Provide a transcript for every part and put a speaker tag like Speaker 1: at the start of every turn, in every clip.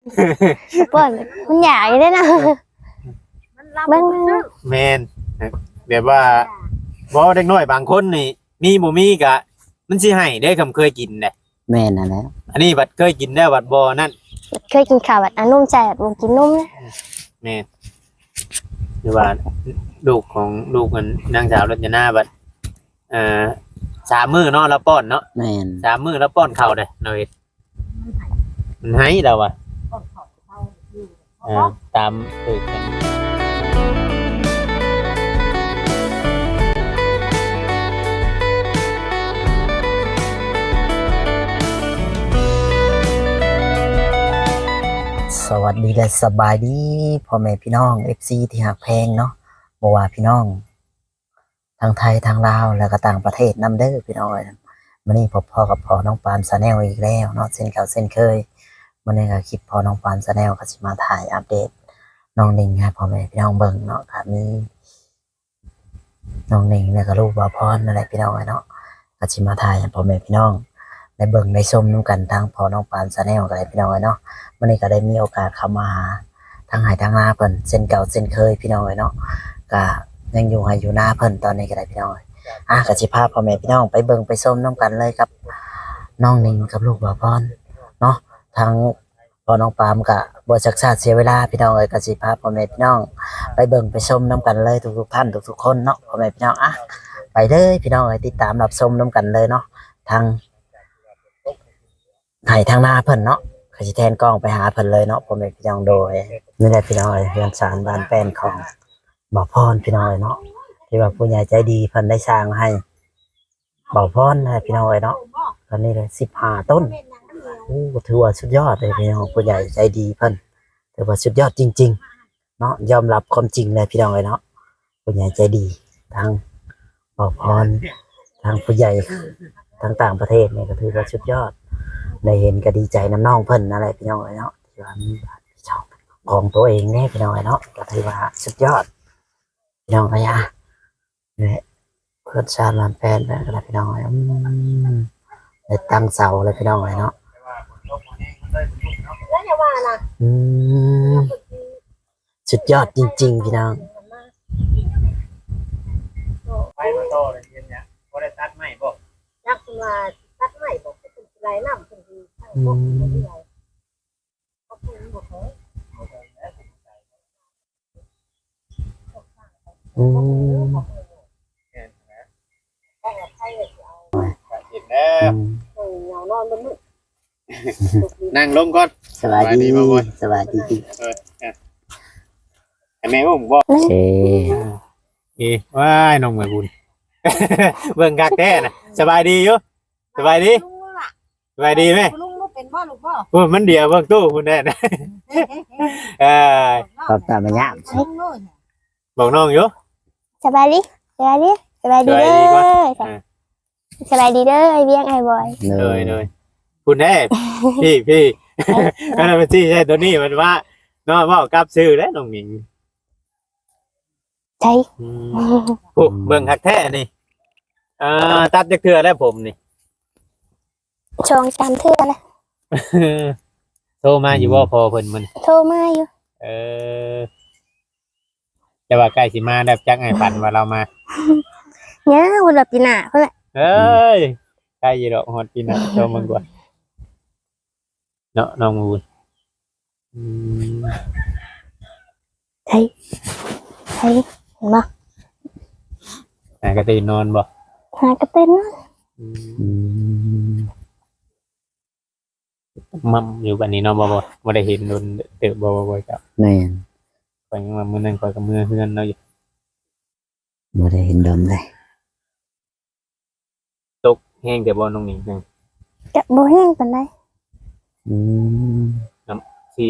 Speaker 1: ป้อนมันใหญ่เลยนะเบิ่ง
Speaker 2: แม่นแบบว่าบ่เด็กน้อยบางคนนี่มีบ่มีก็มันสิให้ได้คำเคยกินแหละ
Speaker 3: แม่นน่ะแหละ
Speaker 2: อันนี้บัดเคยกินแล้วบัดบ่นั่น
Speaker 1: เคยกินข้าวแบบอันนุ่มใจแบบบ่กินนุ่มนะ
Speaker 2: แม่นหรือว่าลูกของลูกมันนางสาวรจนาบัด3 มื้อเนาะแล้วป้อนเนาะ
Speaker 3: แม่น
Speaker 2: 3 มื้อแล้วป้อนข้าวเด้เนาะเฮ็ดมันให้เราอ่ะตามตึกกัน
Speaker 3: สวัสดีและสบายดีพ่อแม่พี่น้อง FC ที่หักแพงเนาะบ่ว่าพี่น้องทางไทยทางลาวแล้วก็ต่างประเทศนำเด้อพี่น้องมื้อนี้พ่อกับพ่อน้องปานชาแนลอีกแล้วเนาะเช่นเก่าเช่นเคยมื้อนี้ก็คลิปพ่อน้องปานชาแนลก็สิมาถ่ายอัปเดตน้องนิ่งให้พ่อแม่พี่น้องเบิ่งเนาะก็มีน้องนิ่งแล้วก็ลูกบ่าวพรนั่นแหละพี่น้องเนาะก็สิมาถ่ายให้พ่อแม่พี่น้องได้เบิ่งได้ชมนํกันทางพ่อน้องปานชาแนลก็ได้พี่น้องเนาะมื้อนี้ก็ได้มีโอกาสเข้ามาหาทางไหทางนาเพิ่นเช่นเก่าเช่นเคยพี่น้องเนาะก็ยังอยู่ให้อยู่หน้าเพิ่นตอนนี้ก็ได้พี่น้องก็สิพาพ่อแม่พี่น้องไปเบิ่งไปชมนํกันเลยกับน้องนิ่งกับลูกบ่าวพรเนาะทางพ่อน้องปามก็บ่ชักชาติเสียเวลาพี่น้องก็สิพาพ่อแม่พี่น้องไปเบิ่งไปชมนํกันเลยทุกๆท่านทุกๆคนเนาะพ่อแม่พี่น้องไปเลยพี่น้องติดตามรับชมนํกันเลยเนาะทางไหทางนาเพิ่นเนาะก็สิแทนกล้องไปหาเพิ่นเลยเนาะพ่อแม่พี่น้องโดยนี่แหละพี่น้องเรือนศาลบ้านแป้นของบ่าวพรพี่น้องเนาะที่ว่าผู้ใหญ่ใจดีเพิ่นได้สร้างให้บ่าวพรนะพี่น้องเนาะตอนนี้เลย15 ต้นโอ้ถือว่าสุดยอดเลยพี่น้องผู้ใหญ่ใจดีเพิ่นถือว่าสุดยอดจริงๆเนาะยอมรับความจริงเลยพี่น้องเนาะผู้ใหญ่ใจดีทางบ่าวพรทางผู้ใหญ่ทางต่างประเทศนี่ก็ถือว่าสุดยอดได้เห็นก็ดีใจน้ำน้องเพิ่นนั่นแหละพี่น้องเนาะที่ว่ามีช่องของตัวเองแน่พี่น้องเนาะก็ถือว่าสุดยอดพี่น้องเนี่ยเนี่ยเพื่อนชาติลานแฟนแบบอะไรพี่น้องได้ตั้งเสาเลยพี่น้องเนาะสุดยอดจริงๆพี่น้อง
Speaker 2: ไปมาต่อเลยเย็นเนี่ยบ่ได้ตัดไม้บ่
Speaker 4: จักมาตัดไม้บอกเป็นไรน้ำเป็นดีทั้งหมดเลยก็คือหมดเลย
Speaker 2: เห็นแล้ว
Speaker 4: เหงานอนบนมือ
Speaker 2: นั่งลงก่อน
Speaker 3: สวัสดี
Speaker 2: บ่บ่
Speaker 3: สวัสดี
Speaker 2: แม่ผมบ่
Speaker 3: โอเค
Speaker 2: ว้ายน้องแม่บุญ เบิ่งคักแท้น่ะสบายดีอยู่สบายดีสบายดีไหม
Speaker 4: ลุงเป็นบ่ลูกบ่
Speaker 2: โอ้มันเดียวเบิ่งตู้พุ่นแน่นะ
Speaker 3: ขอบตาไม่ยาก
Speaker 4: ลุงเลย
Speaker 2: บอกน้องอยู่
Speaker 1: สบายดีสบายดีสบายดีเด้อสบายดีเด้อไอเบี้ยงไอบอย
Speaker 2: เลยคุณแน่พี่อันนั้นมันที่ใช่ตัวนี้มันว่าเนาะว่ากับซื้อแล้วน้องหมิง
Speaker 1: ใช่
Speaker 2: โอ้เบิ่งคักแท้นี่ตัดจักเทื่อแล้วผมนี่
Speaker 1: ชองตามเทื่อนะ
Speaker 2: โทรมาอยู่บ่พอเพิ่นมัน
Speaker 1: โทรมาอยู่
Speaker 2: แต่ว่าใกล้สิมาได้จักให้ฝันว่าเรามา
Speaker 1: เนี่ยวันละปีหน้าเพิ่นแหละ
Speaker 2: เอ้ยใกล้อยู่ดอกฮอดปีหน้าโทรมาก่อนเนาะน้องมูล
Speaker 1: ใช่เห็นบ่
Speaker 2: ก็ตื่นนอนบ่
Speaker 1: หากระเต้นนะ
Speaker 2: มั่มอยู่บัดนี้เนาะบ่ได้เห็นโดนเติบบ่จ้ะ
Speaker 3: แม่น
Speaker 2: ข่อยยังว่ามื้อนั้นข่อยก็มื้อเฮือนเนาะอยู่
Speaker 3: บ่ได้เห็นดมเลย
Speaker 2: ตกแห้งแต่บ่น้องหนิงจัง
Speaker 1: จะบ่แห้งปานใด
Speaker 2: สิ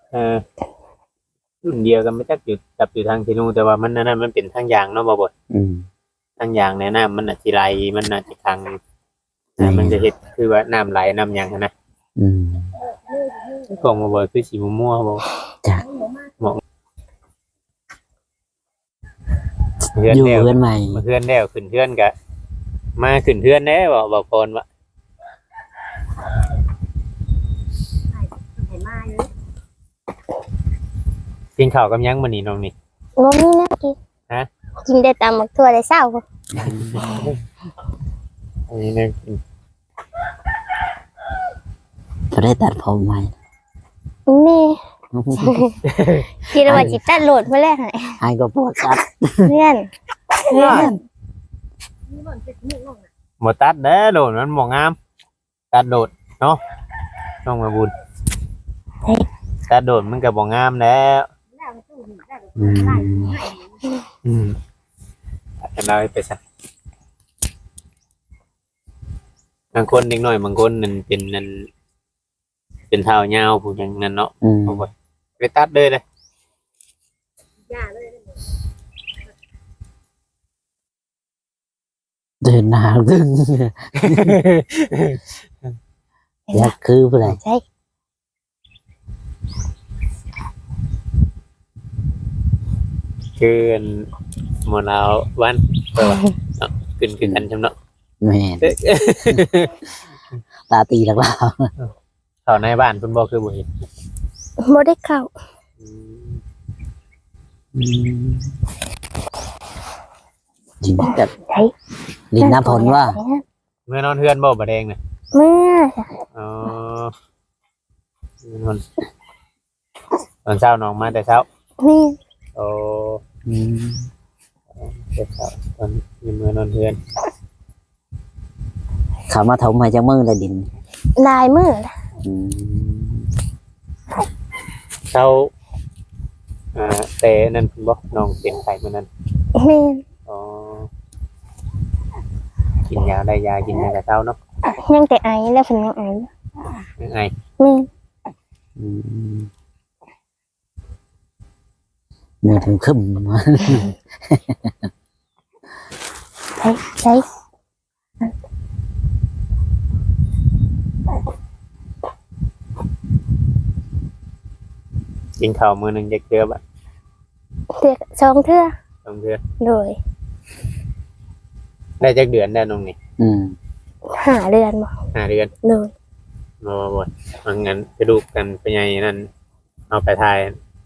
Speaker 2: รุ่นเดียวกันไม่จักอยู่จับอยู่ทางที่นู่นแต่ว่ามันนั่นมันเป็นทางยางเนาะบ่ทางยางในน้ำมันอาจสิไหลมันอาจจะขังมันจะเฮ็ดคือว่าน้ำไหลน้ำหยังนะกองบ่คือสีม่วงบ่
Speaker 3: จ้ะ
Speaker 2: เฮือน
Speaker 3: อยู่
Speaker 2: แล้ว
Speaker 3: เพื่อนใหม่
Speaker 2: มาเฮือนแล้วขึ้นเฮือนก็มาขึ้นเฮือนแน่บ่ก่อนว่า
Speaker 4: เห็นมาอยู่
Speaker 2: กินข้าวกับหยังมื้อนี้น้องนี่
Speaker 1: บ่มีแนวกิน
Speaker 2: ฮะ
Speaker 1: กินได้ตามหมักทั่วได้เช้าพุ่น
Speaker 2: อันนี้เนี่ย
Speaker 3: จะได้ตัดผมใหม่
Speaker 1: แม่คิดว่าสิตัดโหลดเพิ่นแล้วให้
Speaker 3: ไอ้ก็ปวดตัด
Speaker 1: เพื่อน
Speaker 4: นี่มันเป็นนี่น้อง
Speaker 2: บ่ตัดเด้อโดดมันบ่งามตัดโดดเนาะน้องมาบุญตัดโดดมันก็บ่งามแล้ว
Speaker 4: แล้วตู้นี่ได้
Speaker 3: อืม
Speaker 2: ตัดกันได้ไปซะบางคนเด็กน้อยบางคนนั่นเป็นเท้ายาวผู้หยังนั่นเนาะ
Speaker 3: อืม
Speaker 2: เอาไปตัดเลยเลย
Speaker 4: ย่าเลย
Speaker 3: เดินหน้าดึงอยากคือผู้ใด
Speaker 1: ใช่
Speaker 2: คืออันหมดแล้ววันเปิดเนาะขึ้นกันจำเนาะ
Speaker 3: แม่นตาตีหลักเรา
Speaker 2: เข้าในบ้านเพิ่นบ่คือบ่เห็น
Speaker 1: บ่ได้เข้า
Speaker 3: จริงแต่
Speaker 1: ใช่
Speaker 3: ลินน้ำผลว่า
Speaker 2: เมื่อนอนเฮือนบ่บ่แดงน่ะ
Speaker 1: เมื่อ
Speaker 2: อ๋อมื้อนอนตอนเช้าน้องมาแต่เช้า
Speaker 1: นี่
Speaker 2: โอ้แต่เช้าตอนมีมื้อนอนเฮือน
Speaker 3: เขามาถมให้จังมือเลยดิน
Speaker 1: ลายมือ
Speaker 3: อืม
Speaker 2: เช้าแต่นั่นเพิ่นบ่น้องเป็นไข้มื้อนั้น
Speaker 1: แม่น
Speaker 2: อ๋อกินยาได้ยากินยาแต่เช้าเนาะ
Speaker 1: ยังแต่ไอแล้วเพิ่นยังไอ
Speaker 2: ยังไง
Speaker 1: แม่น
Speaker 3: อืมเนื้อถึงขึ้นมา
Speaker 1: ใช่
Speaker 2: กินข้าวมื้อหนึงจักเทื่อบ่
Speaker 1: เทื่อสองเทื่อ
Speaker 2: สองเทื่อ
Speaker 1: โดย
Speaker 2: ได้จักเดือนได้น้องนี่
Speaker 3: อืม
Speaker 1: 5 เดือนบ่
Speaker 2: 5 เดือน
Speaker 1: โดย
Speaker 2: บ่บางงั้นไปดูกันไปใหญ่นั่นเอาไปถ่าย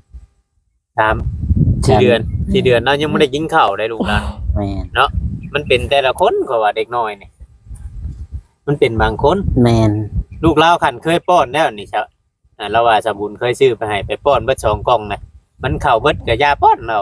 Speaker 2: 4 เดือนเรายังไม่ได้กินข้าวได้ลูกหลาน
Speaker 3: แม่น
Speaker 2: มันเป็นแต่ละคนก็ว่าเด็กน้อยนี่มันเป็นบางคน
Speaker 3: แมน
Speaker 2: ลูกเล่าขันเคยป้อนแล้วนี่ครับเราว่าสบุญเคยซื้อไปให้ไปป้อนเบิด2 กล่องนะมันเข้าเบิดกับยาป้อนเรา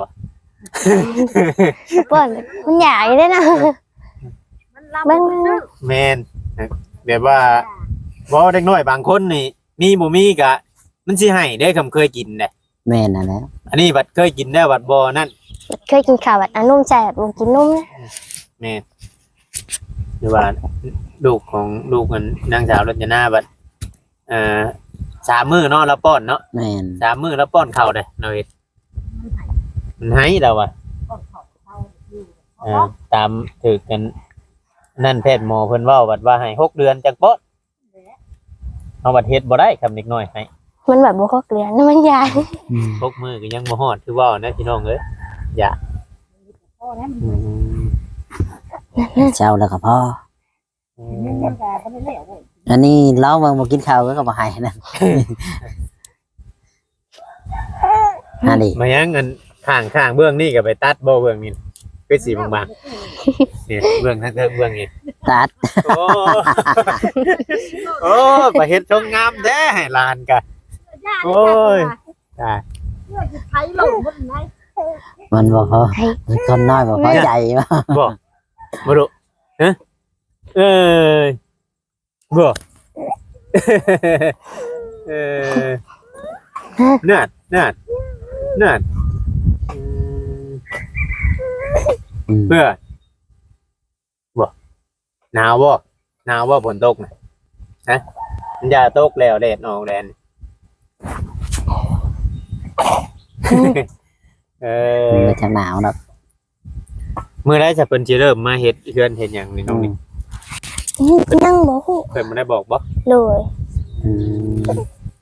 Speaker 1: ป้อนมันใหญ่เลยนะ
Speaker 4: มันลำมัน
Speaker 2: แม่นแบบว่าบ่เด็กน้อยบางคนนี่มีบ่มีก็มันสิให้ได้คำเคยกินเด้
Speaker 3: แม่นน่ะแหล้ว
Speaker 2: อันนี้บัดเคยกินได้บัดบ่นั่น
Speaker 1: เคยกินข้าวแบบอันนุ่มใจแบบบ่กินนุ่มนะ
Speaker 2: แม่นหรือว่าลูกของลูกมันนางสาวรจนาบัด3 มื้อเนาะแล้วป้อนเนาะ
Speaker 3: แม่น
Speaker 2: 3 มื้อแล้วป้อนข้าวเด้เราเฮ็ดมันให้เราอ่ะตามถือกันนั่นแพทย์หมอเพิ่นเว้าบัดว่าให้6 เดือนจักป้อนเอาบัดเฮ็ดบ่ได้คำเด็กน้อยให้
Speaker 1: มันแบบบ่ครบเดือนนะมันใหญ่
Speaker 3: อืม
Speaker 2: 6 มื้อก็ยังบ่ฮอดคือเว้านะพี่น้องเอ้ยอย่า
Speaker 4: พ่อเนี่ย
Speaker 2: อืม
Speaker 3: เจ้าแล้วก็พ่อ
Speaker 4: มันยังแก่ก็ไม่เลี้ยวเลย
Speaker 3: อันนี้เล้ามากินข้าวก็มาให้นั่นฮะดิ
Speaker 2: มายังเงินข้างเบื้องนี่ก็ไปตัดบ่เบื้องนี่คือสีบางๆเนี่ยเบื้องทั้งเบื้องนี่
Speaker 3: ตัด
Speaker 2: โอ้ โอ้ไปเฮ็ดชงงามแท้ให้หลานกะ
Speaker 4: ย่า
Speaker 2: โอ้ย จ้า
Speaker 4: เพื่อจะไทยลงบนไหน
Speaker 3: มันบอกพอมันคนน้อยบอกพอใจวะ
Speaker 2: บ่บ่ดุฮะเอ้ยบ่เออเนื้อ
Speaker 3: อืม
Speaker 2: เพื่อบ่หนาวบ่ฝนตกนะฮะมันอย่าตกแล้วแดดออกแดด
Speaker 3: มันก็จะหนาวนะ
Speaker 2: มื้อใดจะเพิ่นสิเริ่มมาเฮ็ดเฮือนเฮ็ดหยังนี่น้องนี่
Speaker 1: ยังบ่ฮู้
Speaker 2: เพิ่นบ่ได้บอกบ่
Speaker 1: โดย
Speaker 3: อืม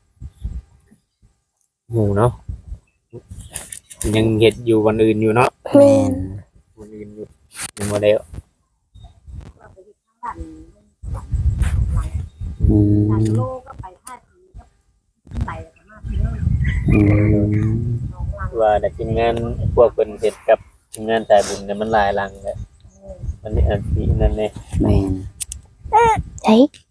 Speaker 2: หมู่เนาะยังเฮ็ดอยู่วันอื่นอยู่เนาะ
Speaker 3: แม่น
Speaker 2: วันอื่นอยู่ยังบ่ได้
Speaker 3: อืม
Speaker 4: โลก็ไปท่าทีก็ไปมาที่นู่น
Speaker 3: อืม
Speaker 4: น้องเรา
Speaker 2: ว่าแต่ทีมงานพวกเพิ่นเฮ็ดกับทีมงานสายบุญเนี่ยมันหลายหลังแหละมันนี่อันที่นั่นแน่
Speaker 3: แม่น
Speaker 1: ใช่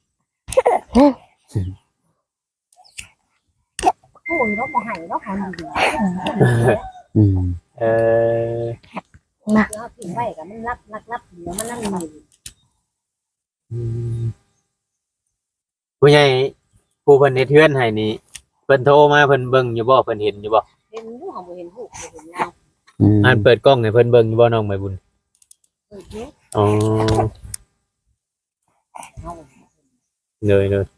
Speaker 4: ผู้อื่นเราบ่ให้เราหาดี
Speaker 3: อืม
Speaker 2: เออ
Speaker 4: เราทิ้งไว้ก็มันรับเดี๋ยวมันนั่นนี่
Speaker 2: อืมผู้ใหญ่ผู้เพิ่นเฮ็ดเฮือนให้นี่เพิ่นโทรมาเพิ่นเบิ่งอยู่บ่เพิ่นเห็นอยู่บ่
Speaker 4: เห็นอยู่ของบ่เห็นผู้บ่เห็นเรา
Speaker 3: อืม
Speaker 2: อันเปิดกล้องให้เพิ่นเบิ่งอยู่บ่น้องใบบุญ
Speaker 4: เออเนาะ
Speaker 2: อ๋อ
Speaker 4: เอา
Speaker 2: เลย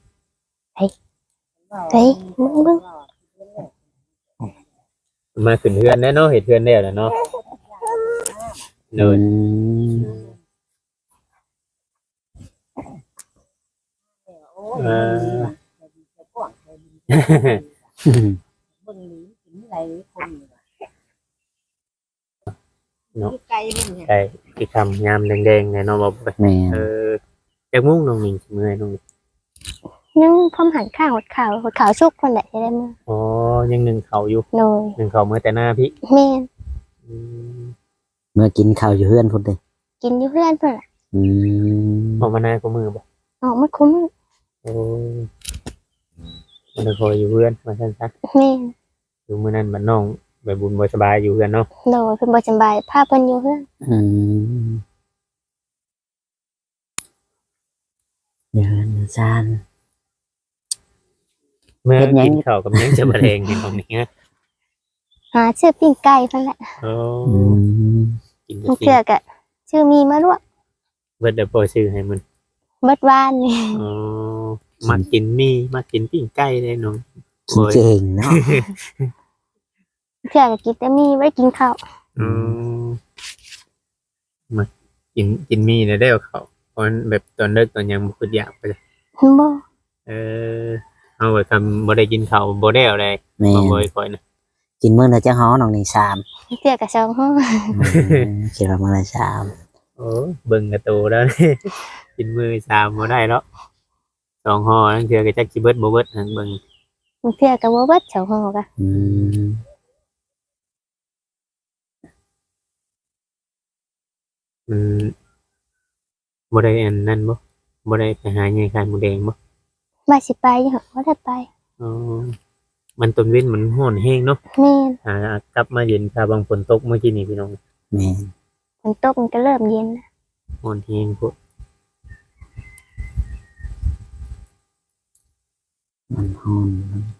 Speaker 1: ใช่มึง
Speaker 2: มาขึ้นเฮือนแน่เนาะเฮ็ดเฮือนแล้วเนาะเล
Speaker 3: อื
Speaker 2: ย
Speaker 3: ม
Speaker 4: โอ้ยจะกว้างเบิ่งนี้กินไหลคนนี่ไกลนี่เนี่ย
Speaker 2: ไก่ที่คำยามแดงๆเนี่ยเนาะบ่ไป
Speaker 3: แม่น
Speaker 2: จักมุ่งน้องมิงสิเมื่อยน้องมิง
Speaker 1: นึ่งพร้อมหันข้างหดขาวชุกคนแหละจะได้มั้ง
Speaker 2: อ๋อยังนึ่งเขาอยู่
Speaker 1: โดย
Speaker 2: นึ่งเขาเมื่อแต่หน้าพี่
Speaker 1: แม่
Speaker 2: อืม
Speaker 3: เมื่อกินข้าวอยู่เฮือนพุ่นเด้
Speaker 1: กินอยู่เพื่อนเพื่อนแหละ
Speaker 3: อืม
Speaker 2: ออกมาหน้าก็มือบ่
Speaker 1: ออกมาคุ้ม
Speaker 2: โอ้มันคอยอยู่เพื่อนมาซั่นซะ
Speaker 1: แม่
Speaker 2: อยู่มื้อนั้นบัดน้องใบบุญบ่สบายอยู่กันเนาะ
Speaker 1: โดยเพิ่นบ่สบายพาเพิ่นอยู่เพื่อน
Speaker 3: อืมเฮือนซาน
Speaker 2: เมื่อ
Speaker 3: เฮ็ดหยัง
Speaker 2: กินข้าวกับหยังจะมาแรงนี่ของนี้ฮะ
Speaker 1: หาชื่อปิ้งไก่เพิ่นแหละ
Speaker 2: โอ้
Speaker 3: อืม
Speaker 2: กิน
Speaker 1: มัน
Speaker 2: กิ
Speaker 1: เชื่อก็ชื่อมีมาลวก
Speaker 2: เบิดได้ปล่อยชื่อให้มัน
Speaker 1: เบิดวานนี่
Speaker 2: อ๋อมากินมีมากินปิ้งไก่ได้น้อง
Speaker 3: กินเก่งเนาะ
Speaker 1: เชื่อก็กินแต่มีไว้กินข้าว
Speaker 2: อืมมากินมีแล้วได้เอาเขาเพราะแบบตอนเลิกตอนยังบ่คืออยากไปเลย
Speaker 1: บ่
Speaker 2: เออเอาไว้คำบ่ได้กินข้าวบ่ได้เอาเลย
Speaker 3: แม่
Speaker 2: บ่
Speaker 3: น
Speaker 2: บ่ค่อยนะ
Speaker 3: กินมื้อละจังฮ้อน้องนี่3
Speaker 1: เชื่อก็2ห้อง
Speaker 3: คิดว่ามื้อละ3
Speaker 2: โอ้เบิ่งกระตูแล้ว กินมือสามบ่ได้แล้วสองห่อนั่นคือก็จักสิเบิดบ่เบิดหั่นเบิ่ง
Speaker 1: เชื่อก็บ่เบิด2ห้องก็
Speaker 3: อืม
Speaker 2: มันบ่ได้อันนั้นบ่ได้ไปหาใหญ่คายหมูแดงบ่
Speaker 1: ว่าสิไปอยู่บ่ได้ไป
Speaker 2: อ๋อมันต้นเว้นมันร้อนแฮงเนาะ
Speaker 1: แม่น
Speaker 2: หากลับมาเย็นค่ะบางฝนตกเมื่อกี้นี่พี่น้อง
Speaker 3: แม่น
Speaker 1: ฝนตกมันก็เริ่มเย็นแล้ว
Speaker 2: ร้อนแฮงพวก
Speaker 3: มันฮ้อน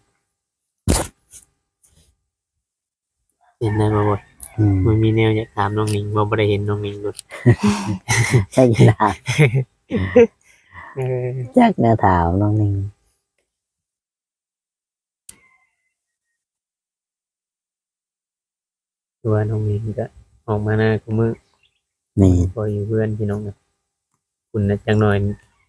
Speaker 2: เห็นได้บ่บ่
Speaker 3: อืม
Speaker 2: มันมีแนวอยากถามน้องหนิงบ่ได้เห็นน้องหนิงเลย
Speaker 3: ใช่กีฬา
Speaker 2: เออ
Speaker 3: จักแนวถามน้องนิ่ง
Speaker 2: คือว่าน้องหนิงก็ออกมาหน้ากูมือ
Speaker 3: แม่น
Speaker 2: พออยู่เพื่อนพี่น้องนะคุณนะจังหน่อย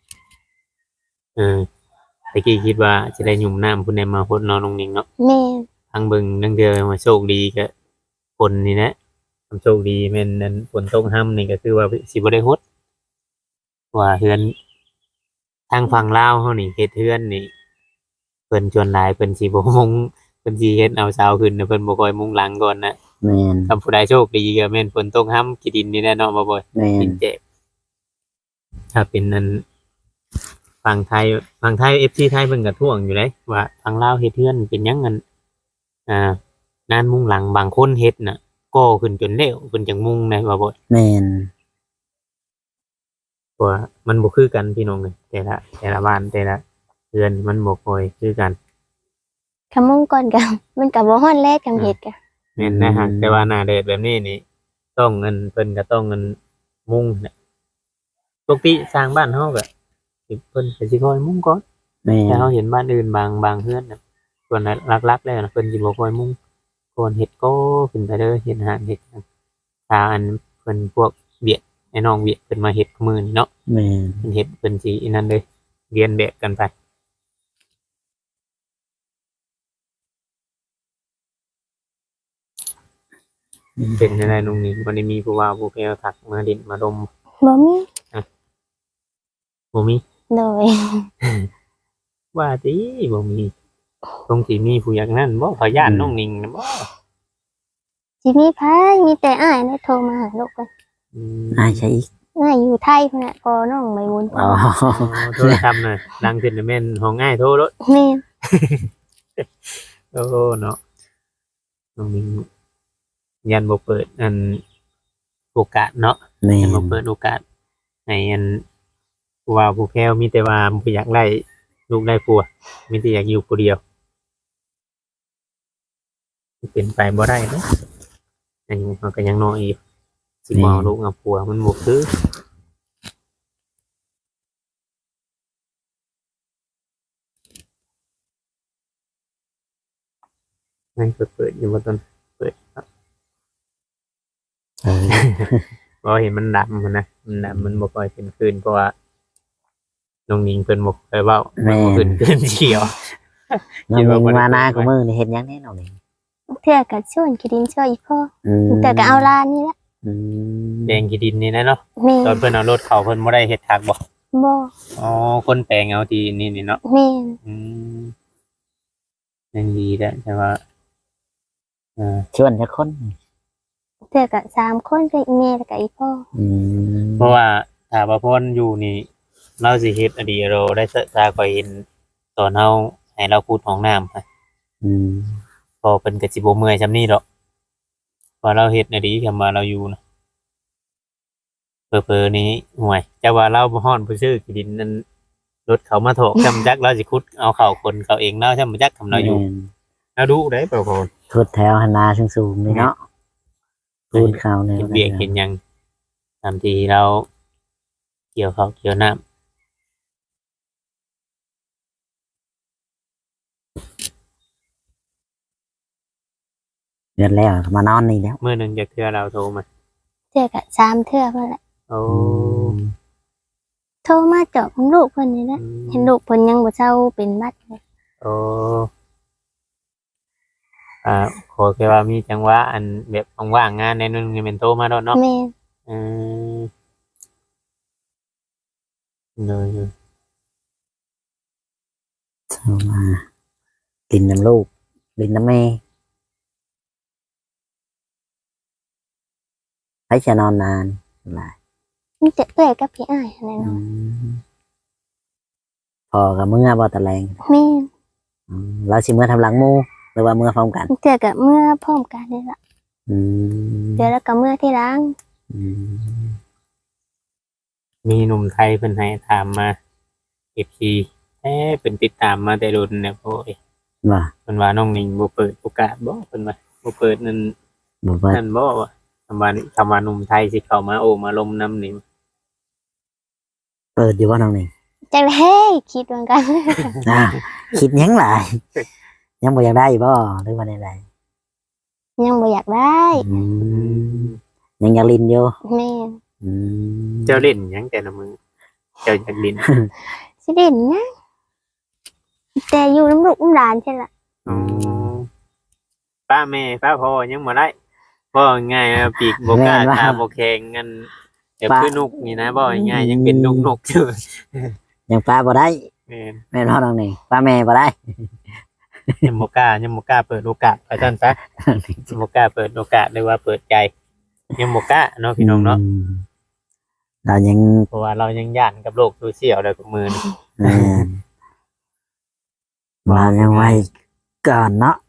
Speaker 2: ตะกี้คิดว่าจะได้หยุ่มน้ำคุณแนมาพดนอนลงนิ่งเนาะ
Speaker 1: แม่น
Speaker 2: ทางเบิ่งนั่งเดียวมาโชคดีก็ฝนนี่นะความโชคดีแม่นนั้นฝนตกห้ำนี่ก็คือว่าสิบ่ได้ฮดว่าเฮือนทางฝั่งลาวเฮานี่เฮ็ดเฮือนนี่เพิ่นชวนหลายเพิ่นสิบ่มุงเพิ่นสิเฮ็ดเอาเสาขึ้นนะเพิ่นบ่ค่อยมุงหลังก่อนนะ
Speaker 3: แม่น
Speaker 2: ถ้าผู้ใดโชคดีก็แม่นฝนตกห้ำขี้ดินนี่แน่เนาะบ่บ่อย
Speaker 3: แม่
Speaker 2: ดิ
Speaker 3: น
Speaker 2: นเจ็บถ้าเป็นนั้นฝั่งไทย FC ไทยเพิ่นก็ท่วงอยู่เลยว่าทางลาวเฮ็ดเฮือนเป็นหยังกันนานมุงหลังบางคนเฮ็ดน่ะก่อขึ้นจนแล้วเพิ่นจังมุงได้ว่าบ่
Speaker 3: แม่น
Speaker 2: เพราะว่ามันบ่คือกันพี่น้องเอ้ยแต่ละบ้านแต่ละเรือนมันบ่ค่อยคือกัน
Speaker 1: คำมุ่งก่อนก็มันก็บ่ฮ้อนแลจังเฮ็ดก็
Speaker 2: แม่นนะฮะแต่ว่าหน้าแดดแบบนี้นี่ต้องเงินเพิ่นก็ต้องเงินมุงน่ะปกติสร้างบ้านเฮาก็สิเพิ่นก็สิคอยมุงก่อน
Speaker 3: แม่
Speaker 2: แต่
Speaker 3: น
Speaker 2: เฮาเห็นบ้านอื่นบางเฮือนน่ะส่วนหลักๆแล้วน่ะเพิ่นสิบ่ค่อยมุงก่อนเฮ็ดก็ขึ้นไปเด้อเฮ็ดหานเฮ็ดหยังถ้าอันเพิ่นพวกเวียดไอ้น้องเวียดเพิ่นมาเฮ็ดมื้อนี้เนาะ
Speaker 3: แม่น
Speaker 2: เพิ่นเฮ็ดเพิ่นสิอันนั้นเลยเรียนแบบกันไปเป็นจังได๋น้องนี่บ่ได้มีผู้ว่าผู้แพ้วทักมาดินมาดม
Speaker 1: บ่มี
Speaker 2: บ่มี
Speaker 1: โดย
Speaker 2: ว่าติบ่มีคงสิมีผู้อย่างนั้นบ่เขาย่านน้องนิงนะบ่
Speaker 1: สิมีไผมีแต่อ้ายได้โทรมาหาลูกกัน
Speaker 2: อืม
Speaker 3: อ้ายใช่อีก
Speaker 1: อ้ายอยู่ไทยพุ่นน่ะพอน้องใบบุญ
Speaker 3: อ๋อ
Speaker 2: โทรศัพท์น่ะดังขึ้นน่ะแม่นห้องง่ายโทรรถ
Speaker 1: แม่น
Speaker 2: โอ้เนาะน้องมิงยันบ่เปิดอันโอกาสเนาะ
Speaker 3: แม่
Speaker 2: ยันบ่
Speaker 3: น
Speaker 2: เปิดโอกาสให้อันผู้ว่าผู้แพ้วมีแต่ว่าบ่อยากได้ลูกได้ผัวมีแต่อยากอยู่ผู้เดียวเป็นไปบ่ได้เนาะอันนี้มันก็ยังน้อยอยู่สิมาเอาลูกเอาผัวมันบ่คือให้เปิดอยู่บ่ต้นเปิดครับ
Speaker 3: เออ
Speaker 2: เพราะเห็นมันดำมันนะมันดำมันบ่ค่อยเป็นคืนเพราะว่าน้องนิงเพิ่นบ่เคยเว้ามันบ่ขึ้นคืนเขียว
Speaker 3: น้องมิงมาหน้าของมือนี่เฮ็ดหยังแน่น้องมิง
Speaker 1: เทื่อก็ชวนกินดินช่วยอีพ่อ
Speaker 3: อืม
Speaker 1: แต่ก็เอาลานนี่แหละ
Speaker 3: อืม
Speaker 2: แปลงขี้ดินนี่นะเนาะ
Speaker 1: แม่
Speaker 2: ตอนเพิ่นเอารถเข้าเพิ่นบ่ได้เฮ็ดทางบ่
Speaker 1: บ่
Speaker 2: อ๋อคนแปลงเอาที่นี่เนาะ
Speaker 1: แม่น
Speaker 2: อืมยังดีแล้วแต่ว่าอ่า
Speaker 3: ชวนจักคน
Speaker 1: เทื่อก็3คนก็อีแม่แล้วก็อีพ่อ
Speaker 3: อืม
Speaker 2: เพราะว่าถ้าว่าพ่นอยู่นี่เราสิเฮ็ดอดีเราได้ซาก็เห็นตอนเฮาให้เราขุดห้องน้ำค่ะ
Speaker 3: อืม
Speaker 2: พอเพิ่นก็สิบ่เมื่อยซำนี้ดอกพอเราเฮ็ดอดีคำว่าเราอยู่นะเผลอๆนี้ห่วยแต่ว่าเราบ่ฮ้อนบ่ซื้อขี้ดินนั้นรถเขามาโถกจำจักเราสิขุดเอาเข้าคนเขาเองเนาะจำจักทำเราอยู่
Speaker 3: แม่น
Speaker 2: เราดูได้เปล่าพ่อ
Speaker 3: ทุดแถวหนนาสูงๆนี่เนาะพูดข่าวแนว
Speaker 2: เห็นเบียกเห็นหยังตามที่เราเกี่ยวข้าวเกี่ยวน้
Speaker 3: เดือนแล้วมานอนนี่แล้ว
Speaker 2: ำมื้อหนึงจะเทื่อเราโทรมา
Speaker 1: เทื่อก็3เทื่อเพิ่นแหละ
Speaker 2: โอ้
Speaker 1: โทรมาเจาะลูกเพิ่นนี่แหละเห็นลูกเพิ่นยังบ่เซาเป็นบัดเลย
Speaker 2: โอ้อ่าขอแค่ว่ามีจังหวะอันแบบว่างๆงานในนึงนี่เป็นโทรมาโดดเนาะ
Speaker 1: แม่น
Speaker 2: อืมเลย
Speaker 3: โทรมากินน้ำลูกกินน้ำแม่ให้จะนอนนานหลาย
Speaker 1: มีแต่เอื้อยกับพี่อ้ายนั่นแหละ
Speaker 3: อื
Speaker 1: เนาะ
Speaker 3: มพอกับเมื่อบ่ตะแลง
Speaker 1: แม่น
Speaker 3: เราสิเมื่อทำหลังหมูหรือว่าเมื่อพร้อมกัน
Speaker 1: เทื่อก็เมื่อพร้อมกันนี่ล่ะ
Speaker 3: อืม
Speaker 1: เดี๋ยวแล้วก็เมื่อที่หล้าง
Speaker 3: อืม
Speaker 2: มีหนุ่มไทยเพิ่นให้ถามมา FC เป็นติดตามมาแต่รุ่นเนี่ยโอ้ย
Speaker 3: ว่า
Speaker 2: เพิ่นว่าน้องนิงบ่เปิดโอกาสบ่เพิ่นว่าบ่เปิดนั่น
Speaker 3: บ่เปิด
Speaker 2: นั่นบ่ว่าคำว่าหนุ่มไทยสิเข้ามาโอ้มาลมน้ำนี่
Speaker 3: เปิดอยู่ว่าน้องนี่
Speaker 1: จังเฮ้ยคิดเหมือนกัน
Speaker 3: อ่าคิดหยังหลายยังบ่อยากได้บ่หรือว่าใด
Speaker 1: ยังบ่อยากได้
Speaker 3: ๆอืมยังอยากลินอยู่
Speaker 1: แม่น
Speaker 3: อืม
Speaker 2: เจ้าเล่นหยังแต่ละมือเจ้าอยากลิน
Speaker 1: สิเด่นนะแต่อยู่น้ำลูกน้ำหลานใช่ละ
Speaker 2: อ๋อป้าแม่ป้าพ่อยังบ่ได้บ่ง่ายๆอะปีกบ่กล้าตาบ่แข็งงั้นเดี๋ยวคือนกนี่นะบ่ง่ายๆยังเป็นนกอยู่
Speaker 3: ยังป้าบ่ได้
Speaker 2: แม่น
Speaker 3: แม่นพ่อน้องนี่ป้าแม่บ่ได้
Speaker 2: ยังบ่กล้าเปิดโอกาสไปซั่นซะยังบ่กล้าเปิดโอกาสหรือว่าเปิดใจยังบ่กล้าเนาะพี่น้องเนาะ
Speaker 3: มเรายัง
Speaker 2: เพราะว่าเรายังย่านกับโลกโซเชียลแล้วกับมือนี่
Speaker 3: แม่นเรายังไว้ก่อนเนาะ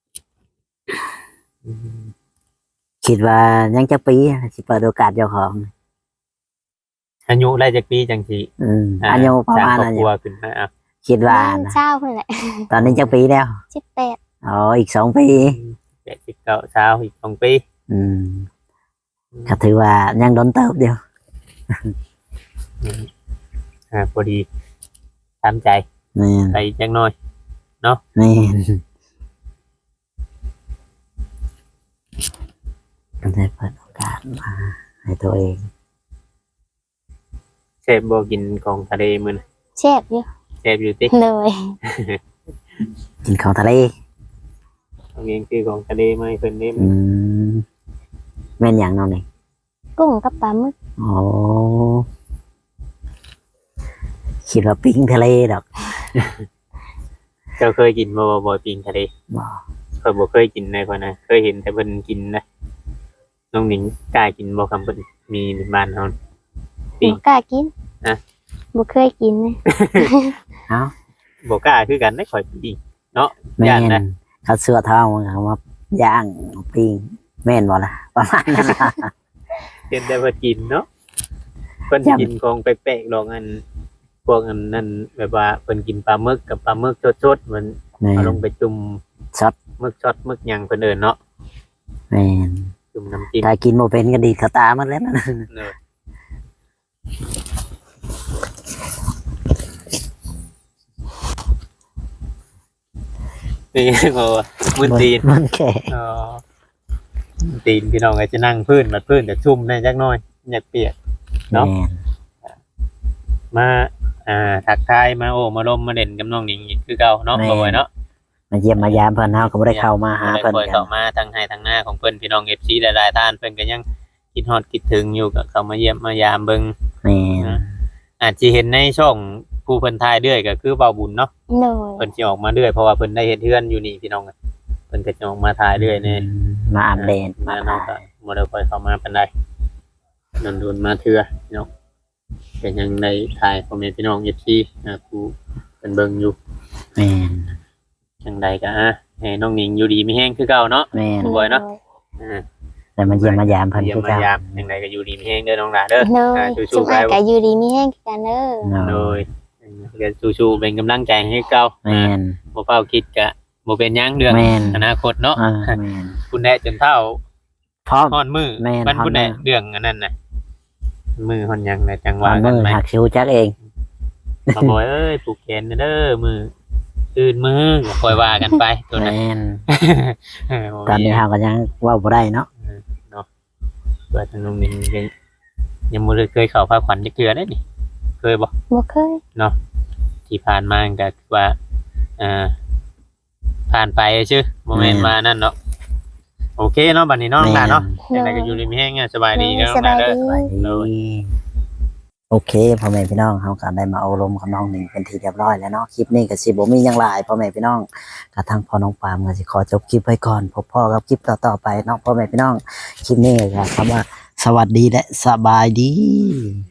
Speaker 3: คิดว่ายังจะปีสิเปิดโอกาสเจ้าของ
Speaker 2: อายุได้จักปีจังสิ
Speaker 3: อายุประมาณ
Speaker 2: สร้
Speaker 3: นั้
Speaker 2: ง
Speaker 3: น
Speaker 2: ครอบครัวขึ้นมาอ่ะ
Speaker 3: คิดว่า
Speaker 1: แม่น
Speaker 3: นะ
Speaker 1: เช้าเพิ่นแหละ
Speaker 3: ตอนนี้จะปีแล้ว
Speaker 1: 18
Speaker 3: อ๋ออีก2 ปี
Speaker 2: 89เช้าอีก2 ปี
Speaker 3: อืมก็ถือว่ายังโดนเติบเดียว
Speaker 2: พอดีตามใจ
Speaker 3: แม่น
Speaker 2: ไปจังน้อย
Speaker 3: แม่นก็ได้เปิดโอกาสมาให้ตัวเอง
Speaker 2: เชฟบ่กินของทะเลมื้อนะ
Speaker 1: แซ่บอยู่
Speaker 2: เชฟอยู่ติ
Speaker 1: เลย
Speaker 3: กินของทะเล
Speaker 2: เอาเองคือของทะเลมาให้เพิ่นเด้
Speaker 3: อืมแม่นอย่างน้องนี่
Speaker 1: กุ้งกับปลาหมึก
Speaker 3: โอ้คิดว่าปิ้งทะเลดอก
Speaker 2: เจ้าเคยกินบ่ปิ้งทะเล
Speaker 3: บ่
Speaker 2: เคยบ่เคยกินเลยพ่นนะเคยเห็นแต่เพิ่นกินนะน้องหนิงกล้ากินบ่คำเพิ่นมีในบ้านเฮา
Speaker 1: บ่กล้ากิน
Speaker 2: อะ
Speaker 1: บ่เคยกินเลย
Speaker 3: เอ้า
Speaker 2: บ่กล้าคือกันได้ข่อยปิ้งเนาะ
Speaker 3: แม่
Speaker 2: ย่าน
Speaker 3: น
Speaker 2: นะ
Speaker 3: เขาเสื้อเท่ามันเขามาย่างปิ้งแม่นบ่ล่ะประมาณนั้นล่ะ
Speaker 2: เห็นแต่เพิ่นกินเนาะเพิ่น
Speaker 3: จำ
Speaker 2: กินของแปลกๆดอกอันพวกอันนั้นแบบว่าเพิ่นกินปลาหมึกกับปลาหมึกสดๆมัน
Speaker 3: แม่น
Speaker 2: เอาลงไปจุ่ม
Speaker 3: ช็อต
Speaker 2: หมึกช็อตหมึกหยังเพิ่นเอิ้นเนาะ
Speaker 3: แม่น
Speaker 2: จุ่มน้ำจิ้ม
Speaker 3: ถ้ากินบ่เป็นก็ดีดเขาตามันแล้วนะ
Speaker 2: เนอะนี่บ่ว่ามึนตีน
Speaker 3: มันแค่
Speaker 2: อ๋อตีนพี่น้องก็จะนั่งพื้นบัดพื้นแต่ชุ่มแน่จักหน่อยอยากเปียก เนาะ
Speaker 3: แม่น
Speaker 2: มาทักทายมาโอ้มาลมมาเด่นกับน้องหนิงอีกคือเก่าเนาะบ่ไหวเนาะ
Speaker 3: มาเยี่ยมมายามเพิ่นเฮาก็บ่ได้เข้ามาหาเพิ่น
Speaker 2: คอย
Speaker 3: กั
Speaker 2: เข้าน มาทางให้ทางหน้าของเพิ่นพี่น้อง FC หลายๆท่านเพิ่นก็ยังคิดฮอดคิดถึงอยู่ก็เข้ามาเยี่ยมมายามเบิ่ง
Speaker 3: แม่น
Speaker 2: อาจสิเห็นในช่องผู้เพิ่นทายเรื่อยก็คือเบาบุญเนาะ
Speaker 1: โดย
Speaker 2: เพิ่นสิออกมาเรื่อยเพราะว่าเพิ่นได้เฮ็ดเฮือนอยู่นี่พี่น้องเพิ่นก็จะออกมาทายเรื่อยแน่
Speaker 3: มาอัปเดต
Speaker 2: มา
Speaker 3: มา
Speaker 2: เนาะก็บ่ได้ค่อยเข้ามาปานใดโดนๆมาเทื่อพี่น้องก็ยังได้ทายพ่อแม่พี่น้อง FC ผู้เพิ่นเบิ่งอยู่
Speaker 3: แม่น
Speaker 2: จังใดก็ให้น้องหนิงอยู่ดีมีแห้งคือเก่าเนาะ
Speaker 3: แม่น
Speaker 2: บ่อยเนาะ แต่
Speaker 3: แต่มาเยี่ยมมายามเพิ่น
Speaker 2: เยี่ยม
Speaker 3: คือ
Speaker 2: มา
Speaker 3: เก่าย
Speaker 2: ามจังใดก็อยู่ดีมีแห้งเด้อน้องหลาเด้อ
Speaker 1: โดย
Speaker 2: สู้
Speaker 1: สุ
Speaker 2: ๆไป
Speaker 1: ภาพก็อยู่ดีมีแห้งกันเด้อ
Speaker 3: เนาะ
Speaker 2: โดยก็สู้ๆเป็นกำลังใจให้เก่า
Speaker 3: แม่น
Speaker 2: บ่เฝ้าคิดก็บ่เป็นหยังเรื่อง
Speaker 3: แม่น
Speaker 2: อนาคตเนาะ
Speaker 3: แม่น
Speaker 2: คุณแน่จนเท่า
Speaker 3: พร้อม
Speaker 2: ฮอดมือ
Speaker 3: แม่น
Speaker 2: มันคุณแน่
Speaker 3: ฮอดมื้อ
Speaker 2: เรื่องอันนั้นน่ะมือฮอดหยังน่ะจัง
Speaker 3: วา
Speaker 2: ว่าง กั
Speaker 3: มื
Speaker 2: น
Speaker 3: อ
Speaker 2: ไหม
Speaker 3: หักคิวจักเอง
Speaker 2: มาบ่อยเอ้ยผูกแขนเด้อมือตื่นมือก็ค่อยว่ากันไปตัวนั้น
Speaker 3: แม่น
Speaker 2: เออ
Speaker 3: ตอนนี้เฮาก็ยังเว้าบ่ได้เนาะ
Speaker 2: เปิดทางนุ่มนิ่งยังบ่ได้เคยเข้าพาขวัญจักเทื่อได้นี่เคยบ่
Speaker 1: บ่เคย
Speaker 2: ที่ผ่านมาก็คือว่าผ่านไปชื่อโมเมนต์มานั่นเนาะโอเคเนาะบัดนี้เนาะน้องหลานเนาะ
Speaker 1: โด
Speaker 2: ยังไง
Speaker 1: ย
Speaker 2: ก็อยู่ริมแห้งอะสบายดี
Speaker 1: โด
Speaker 2: เนาะ
Speaker 1: ย
Speaker 2: น้
Speaker 1: ส
Speaker 2: องหลา
Speaker 1: บาน ย
Speaker 2: เด้อ
Speaker 1: ดี
Speaker 2: โดย
Speaker 3: โอเคพ่อแม่พี่น้องเฮาก็ได้มาอบรมกับน้องหนึ่งเป็นที่เรียบร้อยแล้วเนาะคลิปนี้ก็สิบ่มีหยังหลายพ่อแม่พี่น้องกระทั่งพ่อน้องปามก็สิขอจบคลิปไว้ก่อนพบพ่อกับคลิปต่อๆไปเนาะพ่อแม่พี่น้องคลิปนี้ก็คำว่าสวัสดีและสบายดี